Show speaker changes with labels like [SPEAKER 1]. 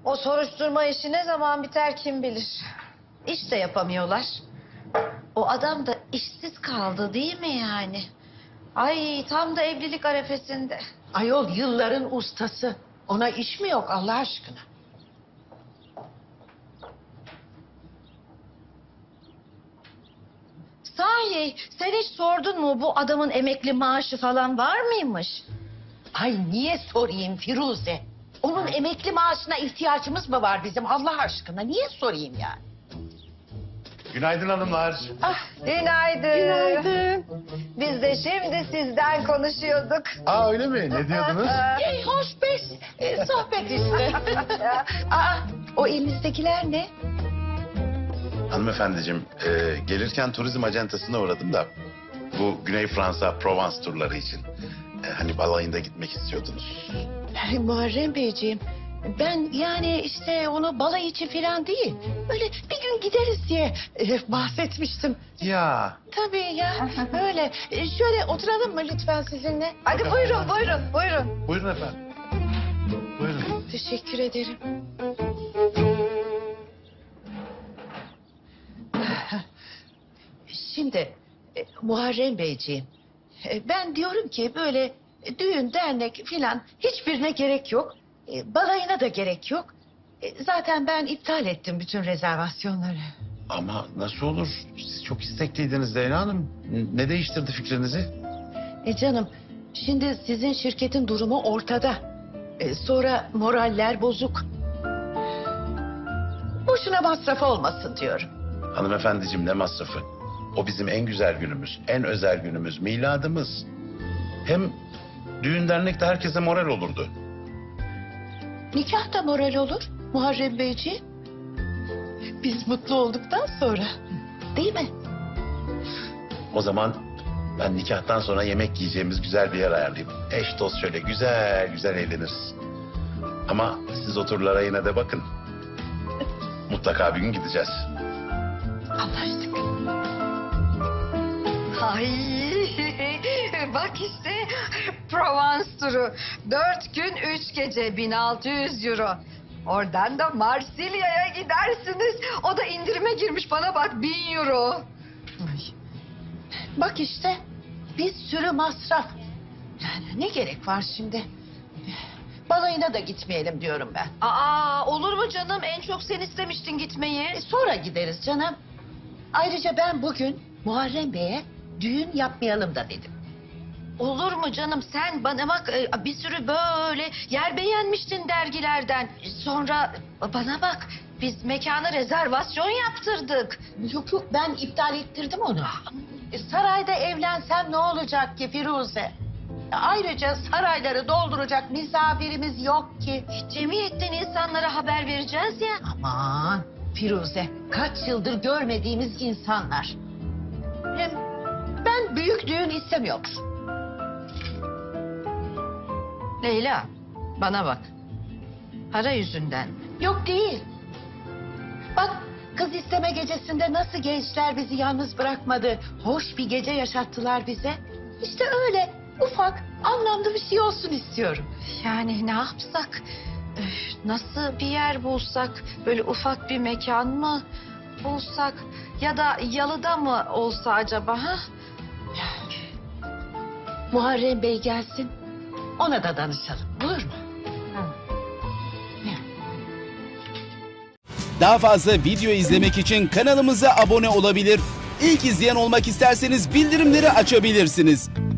[SPEAKER 1] O soruşturma işi ne zaman biter kim bilir. İş de yapamıyorlar. O adam da işsiz kaldı değil mi yani? Ay tam da evlilik arefesinde.
[SPEAKER 2] Ayol yılların ustası. Ona iş mi yok Allah aşkına?
[SPEAKER 1] Sahi sen hiç sordun mu bu adamın emekli maaşı falan var mıymış?
[SPEAKER 2] Ay niye sorayım Firuze? Onun emekli maaşına ihtiyacımız mı var bizim Allah aşkına? Niye sorayım yani?
[SPEAKER 3] Günaydın hanımlar.
[SPEAKER 1] Ah günaydın. Günaydın. Biz de şimdi sizden konuşuyorduk.
[SPEAKER 3] Aa öyle mi? Ne diyordunuz?
[SPEAKER 2] Hoş beş sohbet işte. Aa, o elinizdekiler ne?
[SPEAKER 3] Hanımefendiciğim, gelirken turizm acentasına uğradım da... ...bu Güney Fransa, Provence turları için. Hani balayında gitmek istiyordunuz.
[SPEAKER 2] Muharrem Beyciğim, ben yani işte onu balayı için falan değil. Öyle bir gün gideriz diye bahsetmiştim.
[SPEAKER 3] Ya.
[SPEAKER 2] Tabii ya, öyle. Şöyle oturalım mı lütfen sizinle?
[SPEAKER 1] Hadi buyurun buyurun buyurun.
[SPEAKER 3] Buyurun efendim. Buyurun.
[SPEAKER 2] Teşekkür ederim. Şimdi Muharrem Beyciğim, ben diyorum ki böyle düğün, dernek filan hiçbirine gerek yok. Balayına da gerek yok. Zaten ben iptal ettim bütün rezervasyonları.
[SPEAKER 3] Ama nasıl olur? Siz çok istekliydiniz Leyla Hanım. Ne değiştirdi fikrinizi?
[SPEAKER 2] Canım, şimdi sizin şirketin durumu ortada. Sonra moraller bozuk. Boşuna masraf olmasın diyorum.
[SPEAKER 3] Hanımefendiciğim ne masrafı? O bizim en güzel günümüz, en özel günümüz, miladımız. Hem düğün dernekte herkese moral olurdu.
[SPEAKER 2] Nikah da moral olur Muharrem Beyciğim. Biz mutlu olduktan sonra. Değil mi?
[SPEAKER 3] O zaman ben nikahtan sonra yemek yiyeceğimiz güzel bir yer ayarlayayım. Eş dost şöyle güzel güzel eğleniriz. Ama siz o turlara yine de bakın. Mutlaka bir gün gideceğiz.
[SPEAKER 2] Anlaştık.
[SPEAKER 1] Ay bak işte Provence turu. 4 gün 3 gece 1600 euro. Oradan da Marsilya'ya gidersiniz. O da indirime girmiş bana bak 1000 euro.
[SPEAKER 2] Ay. Bak işte bir sürü masraf. Yani ne gerek var şimdi? Balayına da gitmeyelim diyorum ben.
[SPEAKER 1] Aa olur mu canım? En çok sen istemiştin gitmeyi.
[SPEAKER 2] Sonra gideriz canım. Ayrıca ben bugün Muharrem Bey'e düğün yapmayalım da dedim.
[SPEAKER 1] Olur mu canım? Sen bana bak bir sürü böyle yer beğenmiştin dergilerden. Sonra bana bak biz mekana rezervasyon yaptırdık.
[SPEAKER 2] Yok yok ben iptal ettirdim onu. Sarayda evlensem ne olacak ki Firuze? Ayrıca sarayları dolduracak misafirimiz yok ki.
[SPEAKER 1] Cemiyetten insanlara haber vereceğiz ya.
[SPEAKER 2] Aman Firuze, kaç yıldır görmediğimiz insanlar. Hem ben büyük düğün istemiyorum.
[SPEAKER 1] Leyla bana bak. Para yüzünden mi?
[SPEAKER 2] Yok değil. Bak kız isteme gecesinde nasıl gençler bizi yalnız bırakmadı. Hoş bir gece yaşattılar bize. İşte öyle ufak anlamlı bir şey olsun istiyorum.
[SPEAKER 1] Yani ne yapsak? Nasıl bir yer bulsak? Böyle ufak bir mekan mı bulsak? Ya da yalıda mı olsa acaba? Ha?
[SPEAKER 2] Muharrem Bey gelsin. Ona da danışalım. Olur mu?
[SPEAKER 4] Daha fazla video izlemek için kanalımıza abone olabilir. İlk izleyen olmak isterseniz bildirimleri açabilirsiniz.